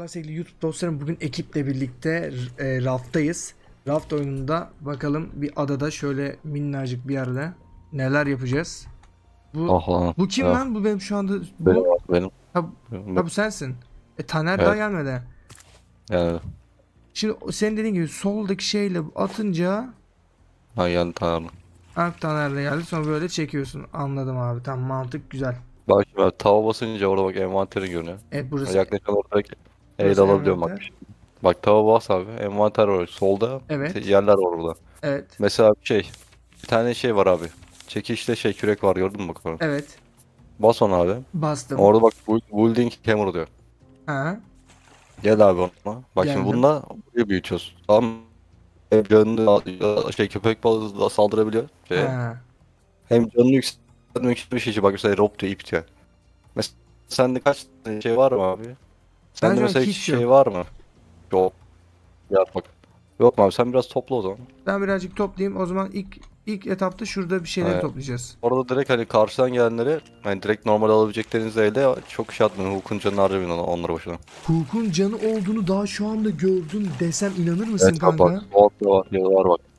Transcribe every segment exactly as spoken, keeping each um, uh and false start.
Merhaba sevgili YouTube dostlarım. Bugün ekiple birlikte e, Raft'tayız. Raft oyununda bakalım bir adada şöyle minnacık bir yerde neler yapacağız. Bu Aha, bu kim ya lan? Bu benim şu anda benim bu. benim Ha, benim- ha bu sensin. E Taner daha evet gelmedi. yani Şimdi o- senin dediğin gibi soldaki şeyle atınca ha yani tamam. ha, Taner de geldi. Sonra böyle çekiyorsun. Anladım abi. Tamam, mantık güzel. Bak şimdi bak, tava basınca orada bak envanteri görünüyor. Evet, burası Yaklaşık orada el burası alabiliyorum bak. envanter. Bak tava bas abi, envanter var solda, te- Evet. yerler var orada. Evet. Mesela bir şey bir tane şey var abi. Çekişte şey kürek var, gördün mü bak onu? Evet. Bas onu abi. Bastım. Orada bak bu- building hammer diyor. Ha, Gel abi ona. Bak şimdi geldim. bununla burayı büyütüyoruz. Tamam mı? Hem canını şey köpek balığı da saldırabiliyor şeye. Ha. Hem canını yükseltmek için bir şey. Bak mesela rope diyor, ip diyor. Mesela sende kaç tane şey var mı abi? Ben Sende şu an mesela hiç hiç şey yok. var mı? Yok. Ya bak. Yok mu abi, sen biraz topla o zaman. Ben birazcık toplayayım. O zaman ilk ilk etapta şurada bir şeyleri Ee, toplayacağız. orada direkt hani karşıdan gelenleri hani direkt normal alabileceklerinizi elde çok şey atmayın. Hukukun canını harcamayın ona- onları boşuna. Hukuk'un canı olduğunu daha şu anda gördüm desem inanır mısın Evet abi bak. kanka? O da var. Ya da var bak.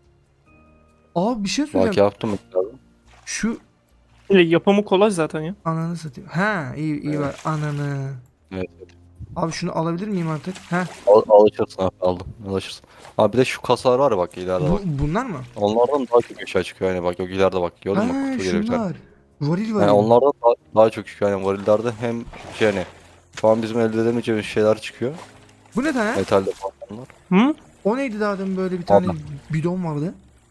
Abi bir şey Bak söyleyeceğim. yaptım mesela abi. Şu Ya yapımı kolay zaten ya. ananı satayım. Ha, iyi iyi Evet. var ananı. Evet. Abi şunu alabilir miyim artık? Ha, Al, alışırsın abi, aldım. Alışırsın. Abi bir de şu kasalar var ya bak, ileride bu bak. bunlar mı? Onlardan daha çok eşya çıkıyor yani, bak yok ileride bak. Gördün mü, bak Ha, kutu geliyor bir tane. şunlar. Varil Yani varil. onlardan daha, daha çok çıkıyor. Yani varillerde hem şey hani şu an bizim elde edemeyeceğimiz şeyler çıkıyor. Bu ne tane? Metalde falanlar. Hı? O neydi daha demin, böyle bir tane Abi bidon vardı.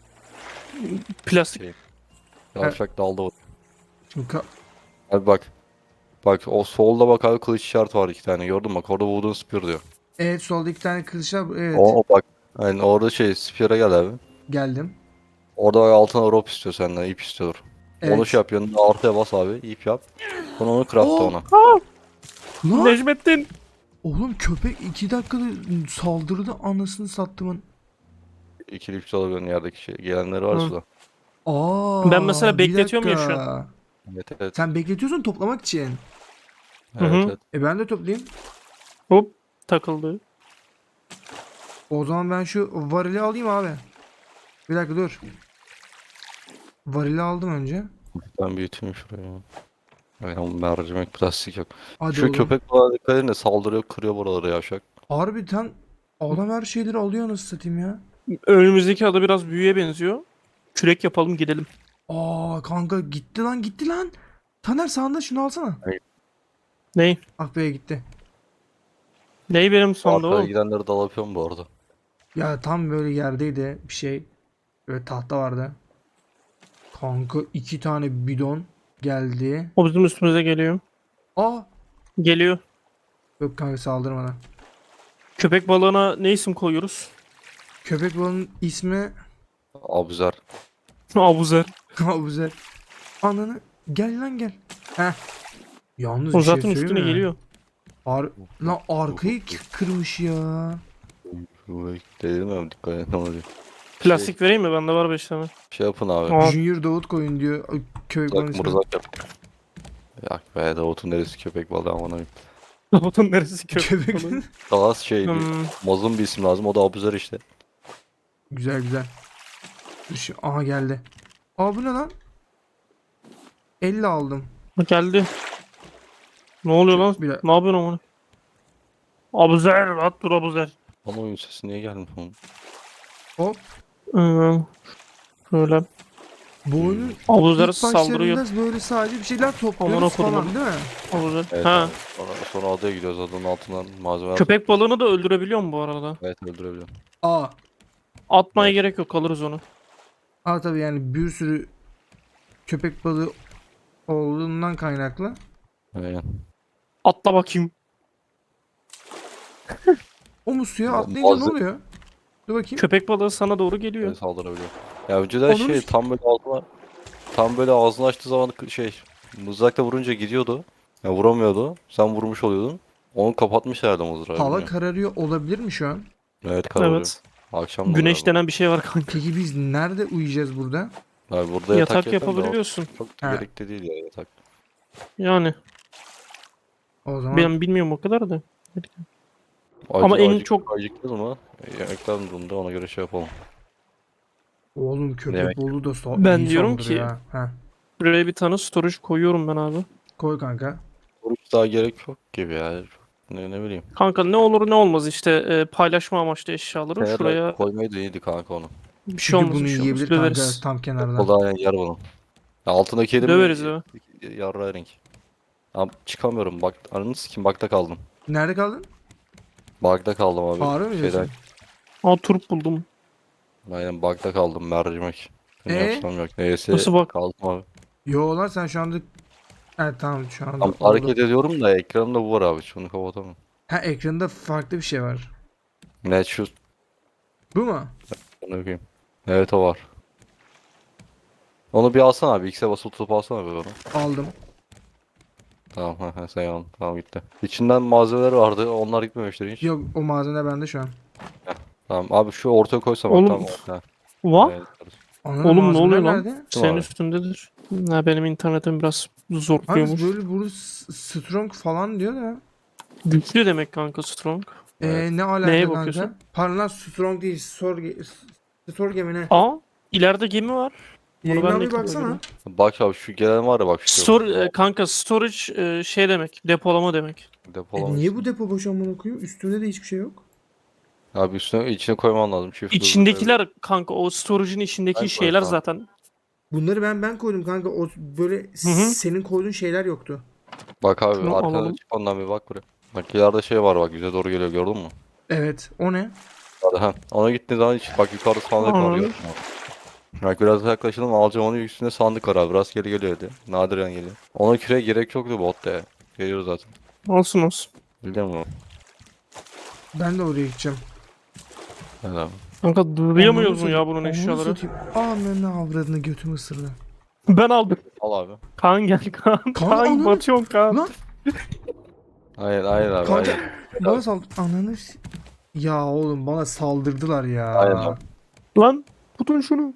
Plastik. şey. Ha, Yavşak dalda var. şimdi ka- Abi bak. Bak o solda bak abi, kılıç işareti var iki tane, gördün mü? Bak orada wooden spear diyor. evet, solda iki tane kılıçlar. Evet, O, o bak. Yani orada şey spear'a gel abi. geldim. Orada bak altına rope istiyor senden, ip istiyor. Onu şey Evet. yap, yanında artıya bas abi, ip yap. Sonra onu craftla Oh ona. Aa, lan. Necmettin. Oğlum köpek iki dakikada saldırdı, anasını sattımın. İkili üç alabiliyorsun yerdeki şey. Gelenleri var Hı. suda. Ben Aa, mesela bir bekletiyorum ya şu an. dakika. Evet evet. Sen bekletiyorsun toplamak için. Hı Evet hı. evet. E ben de toplayayım. Hop takıldı. O zaman ben şu varili alayım abi. Bir dakika dur. Varili aldım önce. Ben büyüteyim şurayı. Aynen, mercimek plastik yok. Hadi Şu oğlum. köpek balığı dikkat edin de saldırıyor, kırıyor buraları yavşak. Harbiden adam her şeyleri alıyor, nasıl satayım ya. Önümüzdeki ada biraz büyüye benziyor. Kürek yapalım gidelim. Aa kanka, gitti lan gitti lan. Taner sağında şunu alsana. Hayır. Ney? Ah be, gitti. Ney benim sonda Arkaya oğlum? gidenleri dal yapıyorum bu arada. Ya tam böyle yerdeydi bir şey. Böyle tahta vardı. Kanka iki tane bidon geldi. O bizim üstümüze geliyor. Aa, Geliyor. yok kanka, saldırmadan. Köpek balığına ne isim koyuyoruz? Köpek balığının ismi Abuzer. Abuzer. Abuzer. Ananı, gel lan gel. Heh. Yalnız O bir şey zaten söyleyeyim üstüne mi? geliyor. Ar lan arkayı k- kırmış ya. Dedim ya, dikkat edin ne oluyor. Plastik vereyim mi? Bende var beş tane. Şey yapın abi. Aa, Junior Davut koyun diyor. Ay, köpek balığının Mırzak ismi. mırzak yap. Yak be, Davut'un neresi köpek balığı aman abi. Robotun neresi köpek Köpek. balığı? Daha az şey bir Hmm, mazlum bir isim lazım, o da Abuzer işte. Güzel güzel. Dur şu- aha geldi. Aa, bu ne lan? elli aldım. geldi. Ne oluyor lan? Bir dakika. Ne yapıyorsun onu? Abuzer, at dur Abuzer. Ama oyun sesi niye gelmiyor oğlum? Hop. Ee, Şöyle. Bu oyunun Abuzer ilk saldırıyor. başlarında böyle sadece bir şeyler Amına topluyoruz kodumun. falan değil mi? Abuzer. Evet Ha. abi. Sonra, sonra adaya gidiyoruz, adanın altından malzemeler Köpek topluyoruz. balığını da öldürebiliyor mu bu arada? Evet, öldürebiliyorum. Aa. Atmaya Evet. gerek yok, alırız onu. Aa, tabii yani bir sürü köpek balığı olduğundan kaynaklı. Aynen. Atla bakayım. O mu suya Ma- atlayınca ne malze- oluyor? Dur bakayım. Köpek balığı sana doğru geliyor. Evet, saldırabiliyor. Ya önceden Onun şey üst- tam böyle ağzına tam böyle ağzını açtığı zaman k- şey mızrakla vurunca gidiyordu. Ya vuramıyordu. Sen vurmuş oluyordun. Onu kapatmış herhalde mızrağı, Hava bilmiyorum. kararıyor olabilir mi şu an? Evet, kararıyor. Evet. Akşam da Güneş galiba. denen bir şey var kanka. Peki biz nerede uyuyacağız burada? Abi burada yatak Yatak yapıyorum da o yapabiliyorsun. çok da Ha. gerekli değil ya yatak. Yani. O zaman Ben bilmiyorum o kadar da. Acı, Ama en acı, çok- acıktınız mı? Yemekler durumda ona göre şey yapalım. Oğlum köpek Demek- balığı da so Ben iyi diyorum saldırıyor ki- ha. Heh, Buraya bir tane storage koyuyorum ben abi. koy kanka. Oruç daha gerek yok gibi ya. Ne, ne bileyim. Kanka ne olur ne olmaz işte e, paylaşma amaçlı eşyaları Kenara şuraya koymayı da iyiydi kanka onu. bir şey Çünkü olmaz bunu bir şey olmaz yiyebilir kanka döveriz. tam kenardan. O da yani yer bunu. Ya altındaki yedim Döveriz mi? ya. Yarra renk. Abi çıkamıyorum bak. Ananı sikeyim bakta kaldım. Nerede kaldın? Bug'da kaldım abi. Harbi mi Şeyden, diyorsun? Aa turp buldum. aynen bug'da kaldım mercimek. Ne Ee? yapsam yok. Neyse Nasıl bak? kaldım abi. Yo lan sen şu anda... Evet tamam şu anda Tam oldu. hareket ediyorum da ekranımda bu var abi. Şunu kapatamam. Ha ekranda farklı bir şey var. Ne şu Bu mu? ne yapayım. Evet o var. Onu bir alsana abi. X'e basılı tutup alsana abi onu. Aldım. Tamam ha, ha sen al. Tamam gitti. İçinden malzemeler vardı. Onlar gitmemiştir hiç. Yok o malzeme bende şu an. Tamam abi şu ortaya koysam bak Oğlum, tamam. Ha, Va? evet. Ananın Oğlum ne malzemeler oluyor lan? nerede? Senin abi. üstündedir. Ha, benim internetim biraz Abi zorluyormuş. böyle burada s- strong falan diyor da. Güçlü demek kanka strong. Evet. Ee, ne alaka Neye kanka? bakıyorsun? Pardon lan strong değil. Storge... Storge mi ne? Aa ileride gemi var. Bunu Yayından ben de bir ilk defa baksana. görüyorum. Bak abi şu gelen var ya bak şu. Stor e, kanka storage e, şey demek. Depolama demek. E, Depolama niye için. bu depo boş amına koyayım? Üstünde de hiçbir şey yok. Abi üstüne içine koyman lazım. Çift hızlı. İçindekiler kanka o storage'in içindeki Ben şeyler koysam. zaten. Bunları ben ben koydum kanka. O böyle Hı hı. senin koyduğun şeyler yoktu. Bak abi Şunu arkada alalım. çık ondan bir bak buraya. Bak ileride şey var bak bize doğru geliyor gördün mü? Evet. O ne? Hadi ha. Ona gittiğin zaman hiç bak yukarıda sandık var Anladım. gördün mü? Bak biraz yaklaşalım alacağım onun üstünde sandık var abi. Rastgele geliyor hadi. Nadiren geliyor. Ona küre gerek yoktu botta ya. Geliyor zaten. Olsun olsun. Biliyor musun? Ben de oraya gideceğim. Evet abi. Kanka duyamıyoruz mu Ananı ya satayım, bunun ananı eşyaları? satayım. Ananı avradını götümü ısırdı. Ben aldım. Al abi. Kaan gel Kaan. Kaan ananı- batıyorsun Kaan. Lan Aynen aynen abi kanka aynen. bana sal... Ananı... s- Ya oğlum bana saldırdılar ya. Aynen. Lan tutun şunu.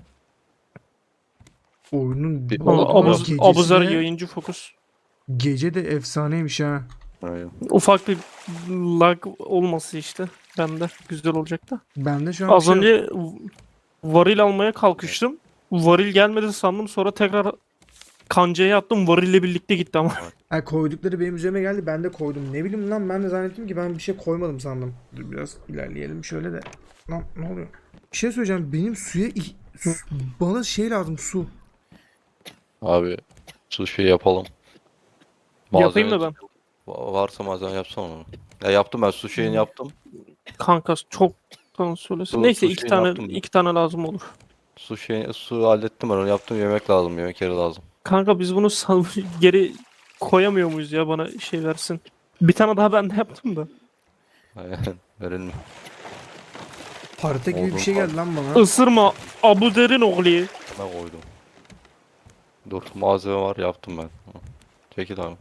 Oyunun Bir- bu Aa, Oğlum, Abuz, gecesi Abuzer de- yayıncı fokus. Gece de efsaneymiş ha. Aynen. Ufak bir lag olması işte. Bende güzel olacak da. Bende şu an bir Az şey yok. önce varil almaya kalkıştım. Varil gelmedi sandım sonra tekrar kancaya attım varille birlikte gitti ama. Ha, koydukları benim üzerime geldi ben de koydum. Ne bileyim lan ben de zannettim ki ben bir şey koymadım sandım. Dur biraz ilerleyelim şöyle de. Lan ne oluyor? Bir şey söyleyeceğim benim suya ih- su- bana şey lazım su. Abi şu şey yapalım. Yapayım da Malzeme- Va- Varsa malzeme yapsam onu. Ya yaptım ben su şeyini yaptım. Kanka çok tamam söylesin. Dur, Neyse dur, iki şey tane yaptım ben. iki tane lazım olur. Su şey su hallettim ben onu yaptım yemek lazım yemek yeri lazım. Kanka biz bunu sal- geri koyamıyor muyuz ya bana şey versin. Bir tane daha ben de yaptım da. Aynen verelim. Harita gibi bir Oldu. şey geldi lan bana. Isırma Abuzer'in oğlu. Ne koydum. Dur malzeme var yaptım ben. Hı. Çekil abi.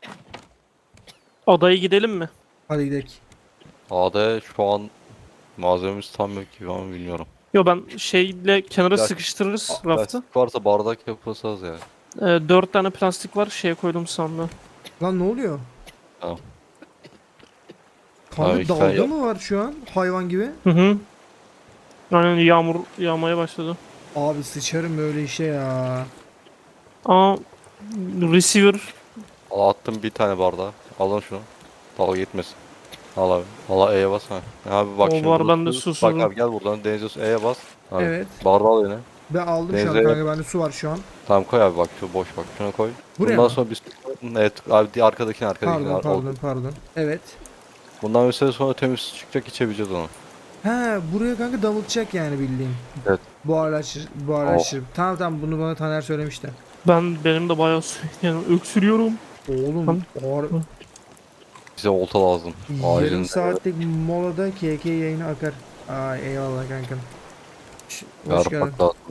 Adaya gidelim mi? Hadi gidelim. A'da şu an malzememiz tam yok gibi ama bilmiyorum. Yo ben şeyle kenara Ya- sıkıştırırız A- raftı. Plastik varsa bardak yapılsaz ya. Ee, dört tane plastik var şeye koydum sandığa. Lan ne oluyor? Tamam. Kanka Abi, sen dalga yap. mı var şu an hayvan gibi? Hı hı. Aynen yağmur yağmaya başladı. Abi sıçarım böyle işe ya. Aa receiver Al attım bir tane bardağı. Alın şunu. Dalga gitmesin. Al abi. Al E'ye bas ha. Abi bak O şimdi var, burada bende su- susuzum. Bak abi gel buradan denize su E'ye bas. Abi, Evet. bardağı al yine. Ben aldım şu an Denize- kanka bende su var şu an. Tamam koy abi bak şu boş bak şuna koy. Buraya Bundan mı? sonra biz evet abi diğer arkadakini arkadakini Pardon al. pardon pardon. Evet. Bundan bir süre sonra temiz su çıkacak içebileceğiz onu. He buraya kanka damıtacak yani bildiğin. Evet. Buharlaştır, buharlaştırıp. Tamam tamam bunu bana Taner söylemişti. ben benim de bayağı su yani öksürüyorum. Oğlum Tamam. buhar... Bize olta lazım. yarım Acil. saatlik molada K K yayını akar. Ay eyvallah kankam. Ş- Hoş geldin. Yarmak lazım.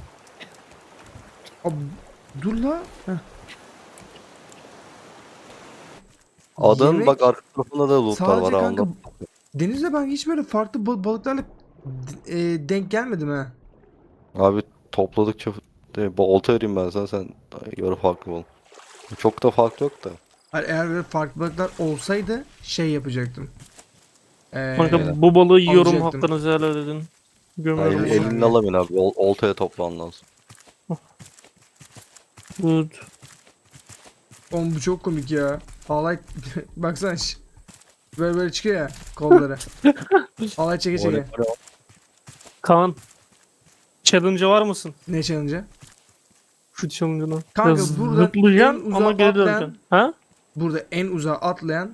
Abi, dur la. Heh. Adın Yemek bak arka tarafında da lootlar var sadece ha kanka onda. denizde ben hiç böyle farklı bal- balıklarla d- e, denk gelmedim ha. Abi topladıkça de, bu olta vereyim ben sana sen göre farklı ol. Çok da fark yok da. Hani eğer böyle farklı balıklar olsaydı şey yapacaktım. Ee, Kanka bu balığı yiyorum, alacaktım. hakkınızı helal edin. Ha, Gömerim. el, el- elini alamıyorsun abi. Ol- oltaya toplan lazım. Good. Oğlum bu çok komik ya. Halay baksana şş. Böyle böyle çıkıyor ya kolları. Halay çeke O çeke. ne- o ne- Kaan. Challenge'a var mısın? Ne challenge'ı? Şu challenge'ına. Kanka Ya buradan en zıplayacaksın uzağa ama geri atlayan- döneceksin. Ha? Burada en uzağa atlayan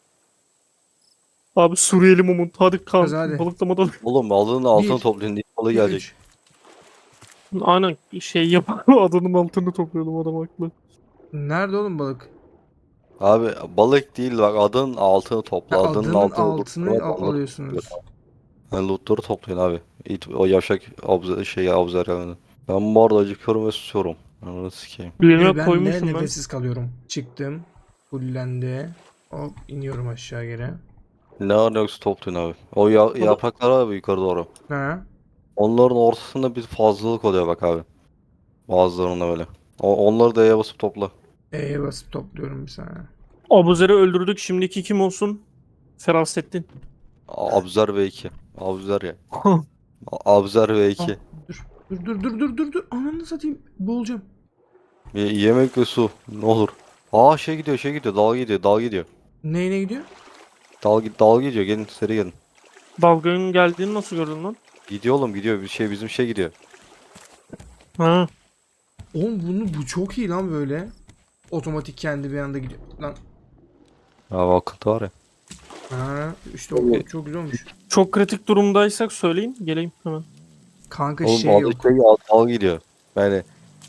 Abi Suriyeli Mumut. Hadi Kaan. Hadi, hadi. Balıklamadan. Oğlum aldığın altını Bir, toplayın. İlk balığı bir, gelecek. üç. Aynen şey yapalım. Adının altını topluyordum, adam haklı. Nerede oğlum balık? Abi balık değil bak adının altını topla. Ha, adının adının altını altını lootları- al- lootları alıyorsunuz. topluyor. Yani lootları toplayın abi. İt, o yavşak abza, şey abzer yani. Ben bu arada acıkıyorum ve susuyorum. Ananı sikeyim. Ee, Birine ben koymuşum ne ben. nefessiz kalıyorum. Çıktım. Fullendi. Hop iniyorum aşağı geri. Ne var ne yoksa toplayın abi. O ya, yapraklar abi yukarı doğru. Ha. Onların ortasında bir fazlalık oluyor bak abi. Bazılarında böyle. O, onları da E'ye basıp topla. E'ye basıp topluyorum bir saniye. Abuzer'i öldürdük. Şimdiki kim olsun? Ferasettin. A- Abzer V iki. Abzer ya. A- Abzer V iki. Dur. Dur dur dur dur dur dur. Ananı satayım. Boğulacağım. Y- yemek ve su. Ne olur. Aa şey gidiyor şey gidiyor. Dal gidiyor. Dal gidiyor. Neyine gidiyor? Dal, gi- dal gidiyor. Gelin seri gelin. Dalganın geldiğini nasıl gördün lan? Gidiyor oğlum gidiyor. Bir şey bizim şey gidiyor. Ha. Oğlum bunu bu çok iyi lan böyle. Otomatik kendi bir anda gidiyor. Lan. Ya akıntı var ya. Ha, işte o çok güzel olmuş. Çok kritik durumdaysak söyleyin. Geleyim hemen. Kanka Oğlum şey adı yok. şey dal, dal gidiyor. Yani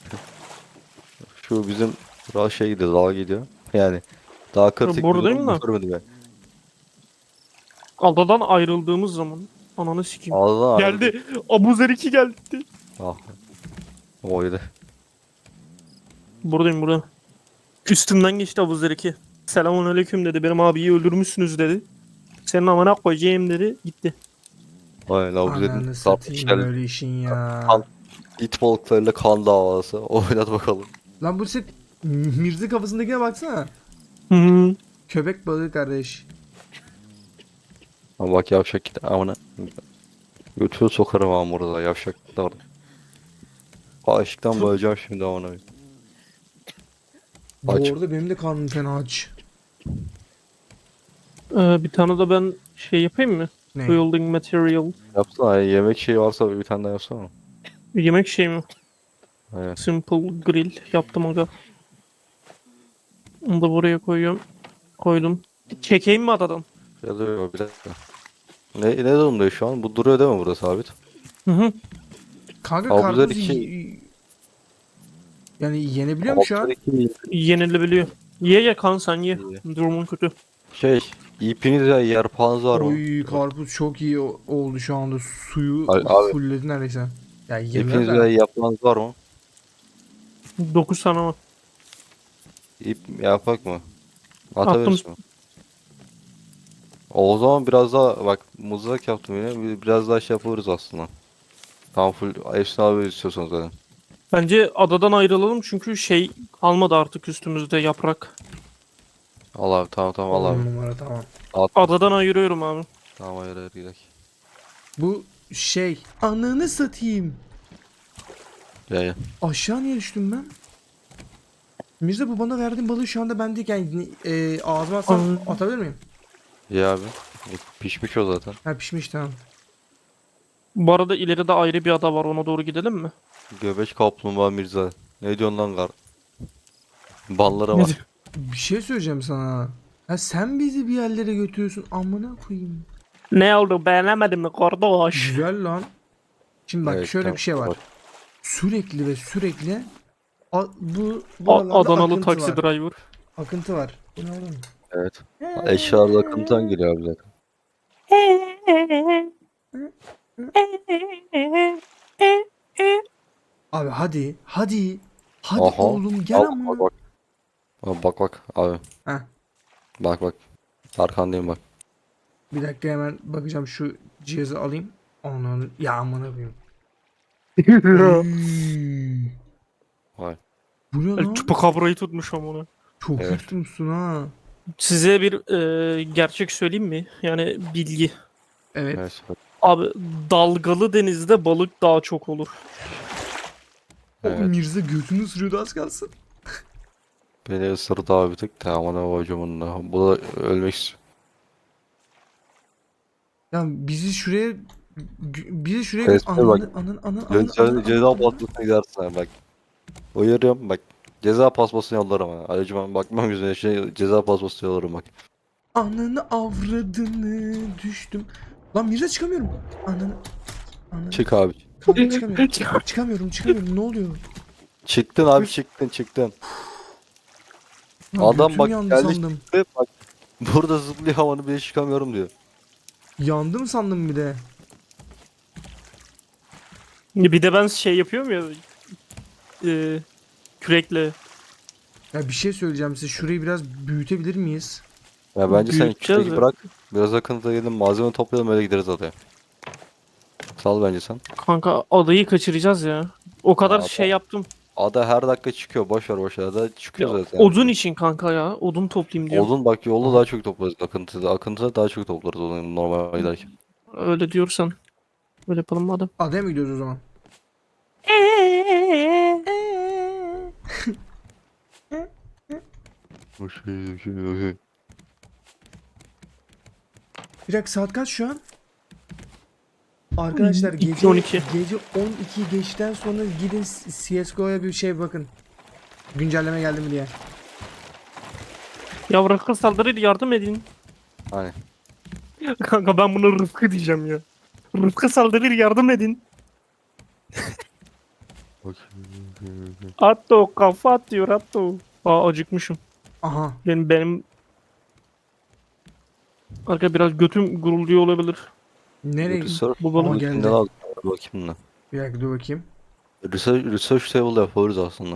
şu bizim ra şey gidiyor. Dal gidiyor. Yani daha kritik bir buradayım durum da. görmedim ben. Adadan ayrıldığımız zaman. Ananı sikeyim. Ağzına Geldi. Abuzer iki geldi. Ah. Oydu. Buradayım burada. Üstümden geçti Abuzer iki. Selamun aleyküm dedi. Benim abiyi öldürmüşsünüz dedi. Senin amına koyacağım dedi. Gitti. Aynen o bize Ananı kan satayım işler, böyle işin ya. kan- it balıklarıyla kan davası. Oynat bakalım. Lan bu set Mirza kafasındakine baksana. Hı hı. Köpek balığı kardeş. Ama bak yavşak git amına. Götürü sokarım ama burada yavşak da orada. Aşıktan bayılacağım şimdi amına. Bu Aç. arada benim de karnım fena aç. Ee, bir tane de ben şey yapayım mı? Ne? Building material. Yapsana ya, yemek şeyi varsa bir tane daha yapsana. Yemek şey mi? Aynen. Simple grill yaptım aga. Onu da buraya koyuyorum. Koydum. Çekeyim mi adadan? Ya da yok bir dakika. Ne, ne durumda şu an? Bu duruyor değil mi burada sabit? Hı hı. Kanka Abuzar karpuz iki- y- yani yenebiliyor mu şu an? Alttaki Yenilebiliyor. Ye ye kan sen ye. İyi. Durumun kötü. Şey, ipiniz ya yarpağınız var mı? Oy karpuz çok iyi o- oldu şu anda. Suyu Abi- abi. fulledi neredeyse. Ya İpiniz yemem ya ben. yapmanız var mı? dokuz tane var. İp yapak mı? Attım. Atabiliriz mi? O zaman biraz daha bak mızrak yaptım yine bir- biraz daha şey yapabiliriz aslında. Tam full hepsini alabiliriz istiyorsanız zaten. Bence adadan ayrılalım çünkü şey kalmadı artık üstümüzde yaprak. Al abi tamam tamam al abi. On numara tamam. Adadan ayırıyorum abi. Tamam hayır hayır gidelim. Bu şey. Ananı satayım. Gel gel. Aşağı niye düştüm ben? Mirza bu bana verdiğin balığı şu anda bendeyken e, ağzıma atsam Ay. atabilir miyim? İyi abi. E, Pişmiş o zaten. Ha pişmiş tamam. Bu arada ileride ayrı bir ada var, ona doğru gidelim mi? Göbeç kaplumbağa Mirza. Ne diyorsun lan kar? Ballara Ne bak. diyor? Bir şey söyleyeceğim sana. Ha sen bizi bir yerlere götürüyorsun. Amına koyayım. Ne oldu, beğenemedin mi kardeş? Güzel lan. Şimdi bak Evet, şöyle tamam, bir şey var. bak. Sürekli ve sürekli a- bu A- buralarda Adanalı akıntı taksi var. driver. Akıntı var. Bu ne oğlum? Evet. Eşyalar akıntıdan geliyor abi zaten. Abi hadi. Hadi. Hadi Aha. oğlum gel Al, ama. bak bak. Aa, Bak bak abi. Heh. Bak bak. Arkandayım bak. Bir dakika hemen bakacağım şu cihazı alayım. Onu ya amına koyayım. Üy. Vay. Bu ne lan? Çupakabrayı tutmuş amına. Çok Evet. kötü tutmuşsun ha. Size bir e, gerçek söyleyeyim mi? Yani bilgi. Evet. Evet. Abi dalgalı denizde balık daha çok olur. O Evet. Mirza götünü ısırıyordu az kalsın. Beni ısırdı abi bir tık. Tamam ana hocamın da. Bu da ölmek istiyor. Ya bizi şuraya gö- bizi şuraya gö- Resme bak. ananı ananı ananı ananı Ceza, ananı ceza ananı. pasmasına gidersin ha bak. Uyarıyorum bak. Ceza pasmasını yollarım ha. Ayrıca ben bakmam yüzüne şey ceza pasmasını yollarım bak. Ananı avradını düştüm. Lan Mirza çıkamıyorum. Ananı ananı. Çık abi. Kanka çıkamıyorum. Çıkamıyorum çıkamıyorum ne oluyor? Çıktın abi çıktın çıktın. Lan Adam götüm bak yandı geldi sandım. çıktı bak. Burada zıplıyor havanı bile çıkamıyorum diyor. Yandım sandım bir de. Bir de ben şey yapıyorum ya. E, kürekle. Ya bir şey söyleyeceğim size. Şurayı biraz büyütebilir miyiz? Ya bence sen Büyüteceğiz küreği ya. bırak. Biraz akıntıda gelin malzeme toplayalım öyle gideriz adaya. Sal bence sen. Kanka adayı kaçıracağız ya. O kadar Ada- şey yaptım. Ada her dakika çıkıyor. Boş ver boş ver. Ada Ya, çıkıyor zaten. odun için kanka ya. Odun toplayayım diyorum. Odun bak yolda daha çok toplarız akıntıda. Akıntıda daha çok toplarız odun normal giderken. Öyle diyorsan. Öyle yapalım madem. Adaya mı gidiyoruz o zaman? Bir dakika saat kaç şu an? Arkadaşlar İki gece on iki. gece on iki geçten sonra gidin C S G O'ya bir şey bakın. Güncelleme geldi mi diye. Ya Rıfkı saldırır yardım edin. Hani. Kanka ben buna Rıfkı diyeceğim ya. Rıfkı saldırır yardım edin. Atto kafa atıyor Atto. Aa acıkmışım. Aha. Benim benim Arka biraz götüm gurulduyor olabilir. Nereye? Research, Bu balık Aa, bu geldi. içinden al. Bakayım da. Bir dakika dur bakayım. Research, research table yapıyoruz aslında.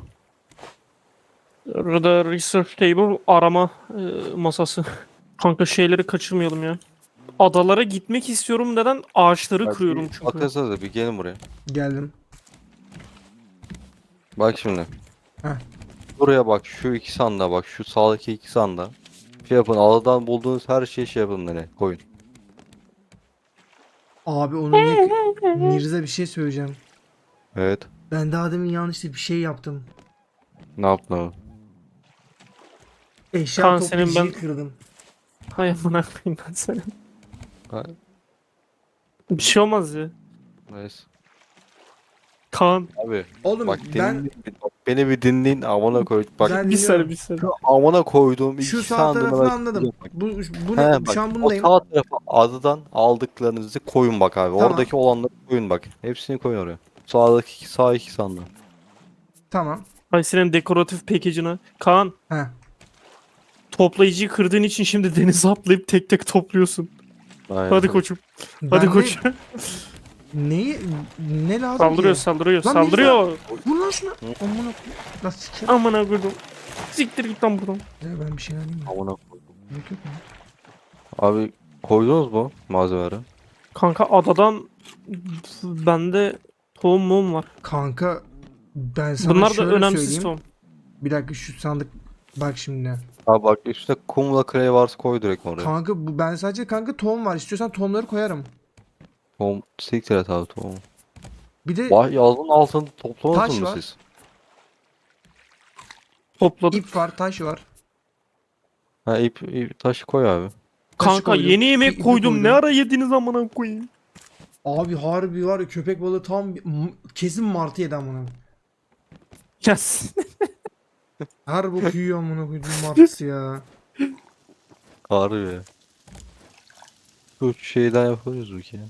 Orada research table arama e, masası. Kanka şeyleri kaçırmayalım ya. Adalara gitmek istiyorum neden? Ağaçları Bak, kırıyorum bir çünkü. Bakasana da bir gelin buraya. Geldim. Bak şimdi. Heh. Buraya bak şu iki sandığa bak şu sağdaki iki sandığa. Şey yapın adadan bulduğunuz her şeyi şey yapın nereye koyun. Abi onu niye... Mirza bir şey söyleyeceğim. Evet. Ben daha demin yanlışlıkla bir şey yaptım. Ne yaptın abi? Eşya Kaan, senin toplayıcıyı ben- kırdım. Hay amına koyayım ben seni. Ha, Bir şey olmaz ya. neyse. Kaan. Abi Oğlum bak, ben dinleyin, bak beni bir dinleyin amına koy. Bak Ben- Bir saniye dinliyorum. bir saniye. şu amına koyduğum şu iki sağ sandığına tarafını bak. anladım. Bu, bu He, ne? bak, Şu an o bundayım. sağ tarafa adadan aldıklarınızı koyun bak abi. Tamam. Oradaki olanları koyun bak. Hepsini koyun oraya. Sağdaki iki, sağ iki sandığı. Tamam. Hay senin dekoratif package'ına. Kaan. He. Toplayıcıyı kırdığın için şimdi denize atlayıp tek tek topluyorsun. Aynen. Hadi koçum. Hadi Ben koçum. ne, neyi ne lazım Saldırıyor ki? saldırıyor Lan saldırıyor. Vur lan şunu. Amına koyayım. Lan sikeyim. Amına koydum. Siktir git lan buradan. Ya ben bir şey alayım mı? Amına koydum. Yok yok mu? Abi koydunuz mu malzemeleri? Kanka adadan bende tohum mum var. Kanka ben sana Bunlar da şöyle önemsiz söyleyeyim. tohum. Bir dakika şu sandık bak şimdi. Abi bak üstüne kumla clay varsa koy direkt oraya. Kanka bu ben sadece kanka tohum var. İstiyorsan tohumları koyarım. Tom siktir et abi tohum. Bir de Vay yazın altını toplamadınız Taş mı var. siz? Topladık. ip var, taş var. Ha ip, ip taşı koy abi. Taşı Kanka koydum, yeni ipi- yemek ipi koydum. koydum. Ne ara yediniz amına koyayım. Abi harbi var ya köpek balığı tam bir- m- kesin martı yedi amına. Yes. Her bok yiyor amına koydum martısı ya. Harbi ya. Şu şeyden yapıyoruz bu ki.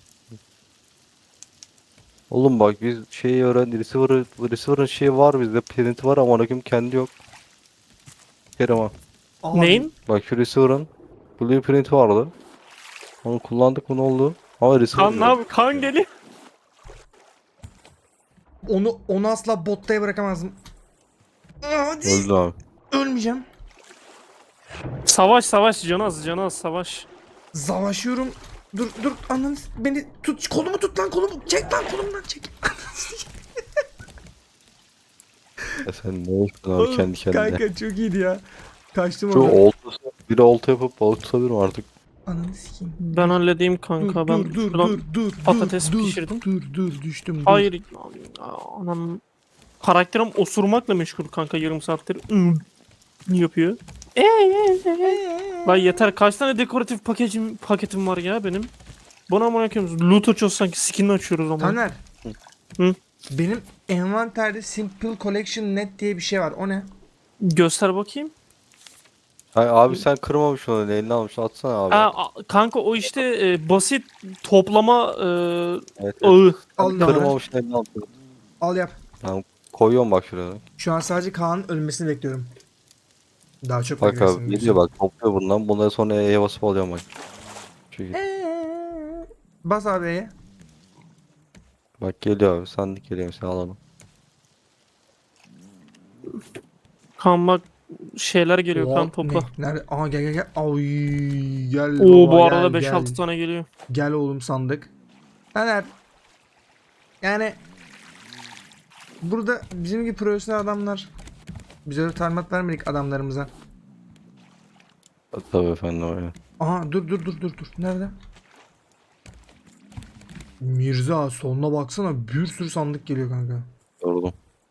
Oğlum bak biz şeyi öğren receiver receiver'ın şeyi var bizde print var ama rakım kendi yok. Kerem ha. Abi, Neyin? Bak şu receiver'ın blueprint vardı. Onu kullandık mı ne oldu? Ama receiver Kan ne yok. abi? Kan geliyor. Onu onu asla bottaya bırakamazdım. Hadi. Öldü abi. Ölmeyeceğim. Savaş savaş canaz canaz savaş. Savaşıyorum. Dur dur ananı s- beni tut kolumu tut lan kolumu çek lan kolumdan çek. Ya sen ne yaptın abi kendi kendine? Kanka çok iyiydi ya. Kaçtım Şu oradan. oltası, Bir olta yapıp balık tutabilirim artık. Ananı sikeyim. Ben halledeyim Dur kanka. dur Ben dur dur şuradan dur dur patates dur, pişirdim. Dur dur düştüm dur. Hayır. Anam. Karakterim osurmakla meşgul kanka yarım saattir. Hmm. Yapıyor. Ee, ee, ee. Lan yeter, kaç tane dekoratif paketim paketim var ya benim. Bana amına koyayım. Loot açıyoruz sanki, skin açıyoruz ama. Taner. Hı? Benim envanterde Simple Collection Net diye bir şey var. O ne? Göster bakayım. Hayır, abi sen kırmamışsın onu, eline almış, atsana abi. Ha, a- kanka o işte e, basit toplama e, Evet, evet. ağı. Al Abi Taner. kırmamışsın, eline almış. Al yap. Tamam, koyuyorum bak şuraya. Şu an sadece Kaan'ın ölmesini bekliyorum. Daha çok Bak beklesin abi geliyor bak, topluyor bundan. Bunları sonra E'ye basıp alıyorum bak. Çünkü Eee. Bas abi E'ye. bak geliyor abi, sandık geliyor mesela, alalım. Kan bak, şeyler geliyor, kan Oo, topla. ne? Nerede? Aa gel gel gel. Ay gel Oo, baba bu gel arada beş gel. altı tane geliyor. Gel oğlum sandık. Taner. Yani burada bizim gibi profesyonel adamlar, biz öyle talimat vermedik adamlarımıza. Tabii efendim öyle. Aha dur dur dur dur dur. Nerede? Mirza soluna baksana, bir sürü sandık geliyor kanka. Yoruldum.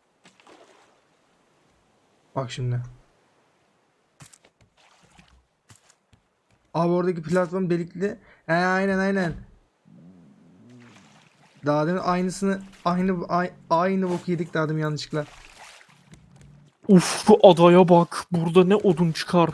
Bak şimdi. Abi oradaki platform delikli. He aynen aynen. Daha demin aynısını aynı ay- aynı boku yedik daha demin yanlışlıkla. Uf, bu adaya bak. Burada ne odun çıkar.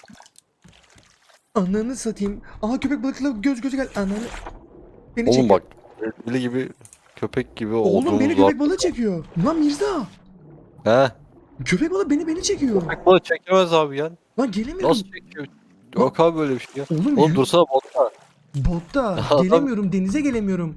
Ananı satayım. Aha köpek balıkla göz göze gel. Ananı. Beni Oğlum çekiyor. bak, deli gibi, köpek gibi Oğlum beni olduğumuz var. köpek balığı çekiyor. Lan Mirza. He? Köpek balığı beni beni çekiyor. Köpek balığı çekemez abi ya. Lan gelemiyorum. Nasıl çekiyor? Yok abi böyle bir şey ya. Oğlum, Oğlum yü- dursana botta. botta Adam- gelemiyorum, denize gelemiyorum.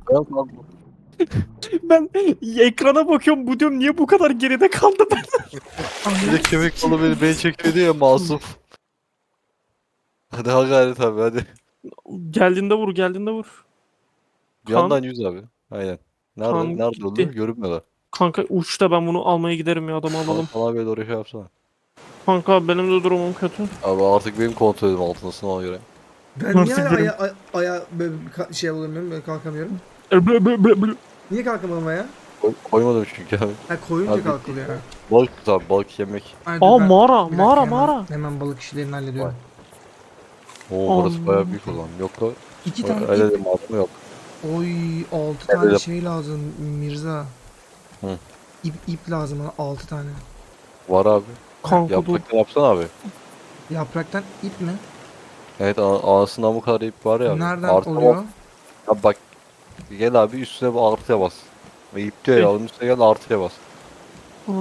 Ben ekrana bakıyorum, bu diyorum niye bu kadar geride kaldı ben. Bir de köpek balığı beni, beni çekiyor diye ya, masum. Hadi ha gayret abi hadi. Geldiğinde vur, geldiğinde vur. Bir Kan, yandan yüz abi. Aynen. Nerede? kan Nerede gitti. oldu? Görünmüyorlar. Kanka uçta, ben bunu almaya giderim ya, adamı Bana, alalım. bana böyle oraya şey yapsana. Kanka benim de durumum kötü. Abi artık benim kontrolüm altındasın ona göre. Ben niye Artık hala benim- aya, aya, aya böyle bir ka- şey alamıyorum, böyle kalkamıyorum. Blı blı blı blı. Niye kalkamadım aya? Koy, koymadım çünkü abi. Ha koyunca Abi- kalkılıyor. Ha. Balık tut abi, balık yemek. Ay, dur Aa, ben- mağara, bir dakika, mağara, hemen- mağara. Hemen balık işlerini hallediyorum. Oo burası Allah. bayağı büyük o zaman. Yok da İki tane öyle ip. de masum yok. Oy altı Evet, tane yap. şey lazım Mirza. Hı. İp, ip lazım bana altı tane. Var abi. Kanka dur. Yapraktan yapsana abi. Yapraktan ip mi? Evet, a- anasından bu kadar ip var ya abi. Nereden Artı oluyor? bas. Abi bak, gel abi üstüne bu artıya bas. Ve ip diyor Ey. ya, onun üstüne gel artıya bas. Aa.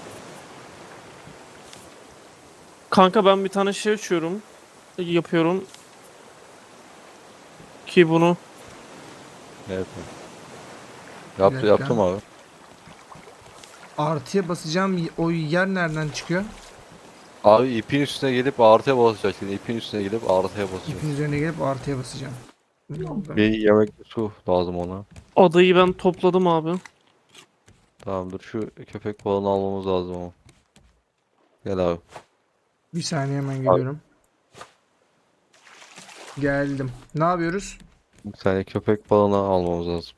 Kanka ben bir tane şey açıyorum. Yapıyorum. Ki bunu. Evet. Yaptı, dakika. yaptım abi. Artıya basacağım o yer nereden çıkıyor? Abi ipin üstüne gelip artıya basacaksın. İpin üstüne gelip artıya basacaksın. İpin üzerine gelip artıya basacağım. Bir yemek su lazım ona. Adayı ben topladım abi. Tamamdır, şu köpek balığını almamız lazım ama. Gel abi. Bir saniye hemen geliyorum. Geldim. Ne yapıyoruz? Bir tane köpek balığını almamız lazım.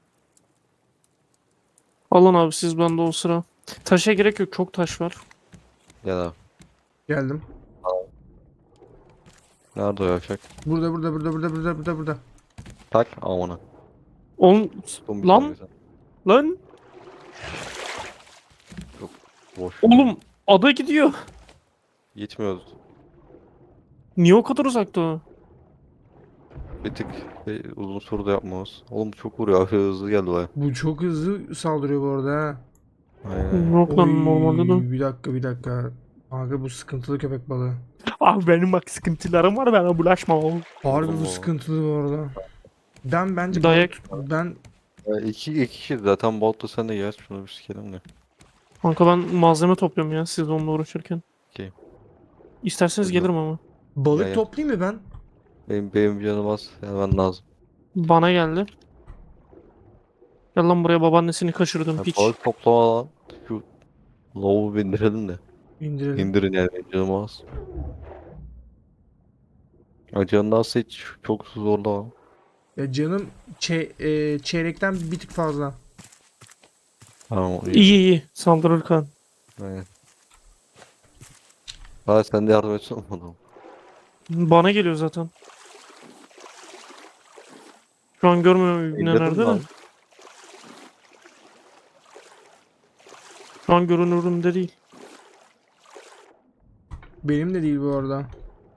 Alın abi siz, bende o sıra. Taşa gerek yok, çok taş var. Gel abi. Geldim. Nerede o yavşak? Burada burada burada burada burada burada burada. Tak amına. Oğlum Tuttum bir Lan! tane sen. lan Boş. oğlum, ada gidiyor. Gitmiyoruz. Niye o kadar uzakta o? Bir tık bir uzun soru da yapmamız. Oğlum çok vuruyor abi, hızlı geldi baya. Bu çok hızlı saldırıyor bu arada ha. Aynen. Yok lan, normalde de. Oy, bir dakika bir dakika. Kanka bu sıkıntılı köpek balığı. Abi benim bak sıkıntılarım var, bana bulaşma oğlum. Harbi bu Allah. sıkıntılı bu arada. Ben bence Dayak. balık- ben Ya iki, iki kişi zaten botla, sen de gel şunu bir sikelim de. Kanka ben malzeme topluyorum ya, siz onunla uğraşırken. Okey. İsterseniz Buyurun. gelirim ama. balık Ya, ya. toplayayım mı ben? Benim, benim canım az. Gelmen lazım. Bana geldi. Gel lan buraya, babaannesini kaçırdım Ya, piç. balık toplama lan. Şu lovu bindirelim de. İndirelim. İndirin yani, benim canım az. Acının nasıl hiç çok zorlama. Ya canım çe- e, çeyrekten bir tık fazla. Tamam iyi. İyi iyi. Saldırır kan. Aynen. Ha sen de yardım etsene bana. Bana geliyor zaten. Şu an görmüyorum İbni İndirdin nerede mi de. abi? Şu an görünürümde değil. Benim de değil bu arada.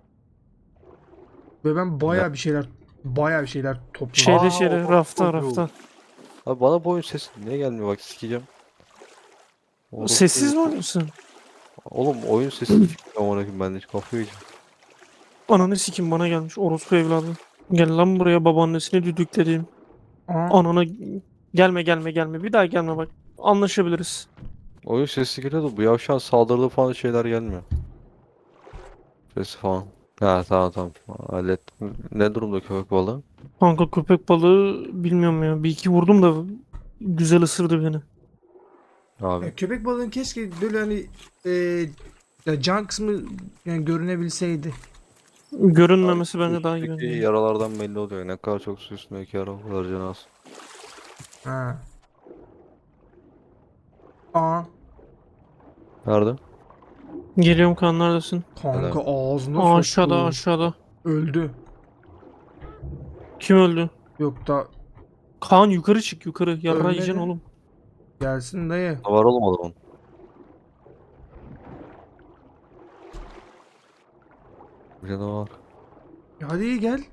Ve ben baya bir şeyler baya bir şeyler topladım. Şeyde Aa, şeyde o rafta çok iyi rafta. oldu. Abi bana bu oyun sesi niye gelmiyor bak sikeceğim. Orospu Sessiz mi herif. oynuyorsun? Oğlum oyun sesi çıkmıyor amına koyayım ben de hiç kafayı yiyeceğim. Ananı sikim bana gelmiş orospu evladı. Gel lan buraya babaannesini düdüklediğim. Aa, Anana gelme gelme gelme bir daha gelme bak. Anlaşabiliriz. Oyun sesi geliyor da bu yavşan saldırdığı falan şeyler gelmiyor. Sesi falan. Ha tamam tamam. Hallettim. Ne durumda köpek balığı? Kanka köpek balığı bilmiyorum ya. Bir iki vurdum da güzel ısırdı beni. Abi. ya köpek balığın keşke böyle hani e, ya can kısmı yani görünebilseydi. Abi Görünmemesi bence daha iyi üstteki bence. yaralardan belli oluyor. Ne kadar çok su üstündeki yara o kadar canı az. Ha. Aa, Nerede? Geliyorum kan neredesin? kanka Nerede? ağzına Aa, aşağıda soktu. aşağıda. Öldü. Kim öldü? Yok da Kaan yukarı çık yukarı. Yarra yiyeceksin ölmedi. oğlum. Gelsin dayı. Var oğlum adamın. Bir canavar. Ya hadi iyi gel.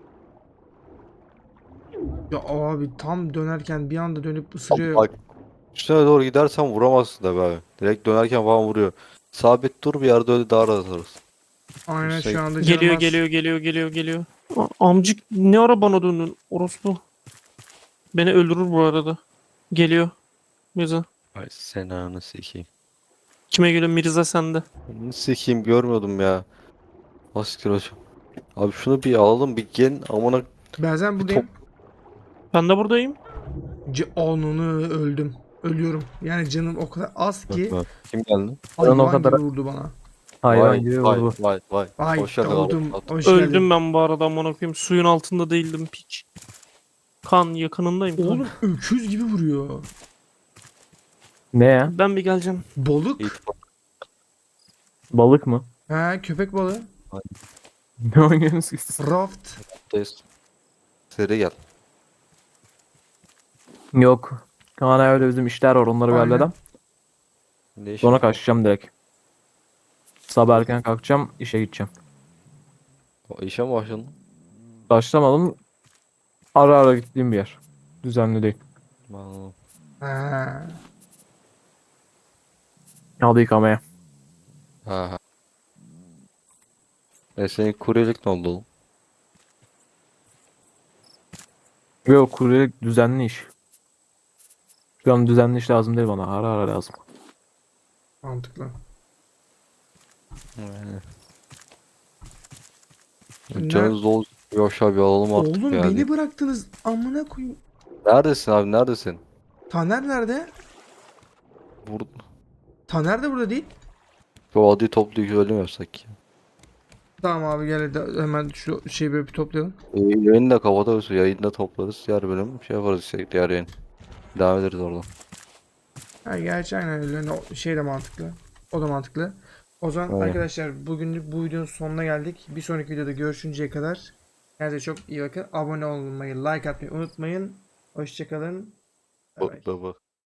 Ya abi tam dönerken bir anda dönüp Abi ısırıyor. bak üstüne doğru gidersen vuramazsın da be abi. Direkt dönerken falan vuruyor. Sabit dur bir yerde öyle daha rahat atarız. Aynen Üstüne şu git. anda canım Geliyor az. geliyor geliyor geliyor geliyor. A- amcık ne ara bana döndün orospu. Beni öldürür bu arada. Geliyor. Mirza. Ay sen ananı sikeyim. Kime geliyor? Mirza sende. Ananı sikeyim görmüyordum ya. Asiktir hocam. Abi şunu bir alalım bir gelin amına Ben bir top. buradayım. Ben de buradayım. C Ananı öldüm. Ölüyorum. Yani canım o kadar az Bak, ki bak. Kim geldi? Ben o hayvan kadar gibi vurdu bana. hayvan Vay gibi vay vurdu. vay vay. Ay Hoş geldin abi. doğdum. Hoş Öldüm geldin. ben bu arada amına koyayım. Suyun altında değildim piç. Kan yakınındayım kan. Oğlum öküz gibi vuruyor. Ne ya? Ben bir geleceğim. Balık. İyi, Balık mı? He köpek balığı. Ne oynuyorsunuz siz? Raft. toptayız. Seri gel. Yok. Kaan öyle bizim işler var onları bir Aynen. halledem. Ne iş Sonra var? kaçacağım direkt. Sabah erken kalkacağım işe gideceğim. O işe mi başladın? Başlamadım. Ara ara gittiğim bir yer. Düzenli değil. Anladım. He. Hadi yıkamaya. Ha ha. E senin kuryelik ne oldu oğlum? Yok kuryelik düzenli iş. Şu an düzenli iş lazım değil bana. Ara ara lazım. Mantıklı. Yani. Ne- Canınız dolu aşağı bir alalım artık Oğlum yani. beni bıraktınız. Amına koyayım. Neredesin abi neredesin? Taner nerede? Bur Taner de burada değil. Bu adi toplayıp öyle mi yapsak ya? Tamam abi gel hadi hemen şu şeyi böyle bir toplayalım. E, yayını da kapatırız. Yayını da toplarız. Diğer bölüm şey yaparız işte diğer yayın. Devam ederiz oradan. Ha, gerçi aynen öyle. Hani o şey de mantıklı. O da mantıklı. O zaman Aynen. arkadaşlar bugünlük bu videonun sonuna geldik. Bir sonraki videoda görüşünceye kadar kendinize çok iyi bakın. Abone olmayı, like atmayı unutmayın. Hoşçakalın. Bay bay. Bak bak bak.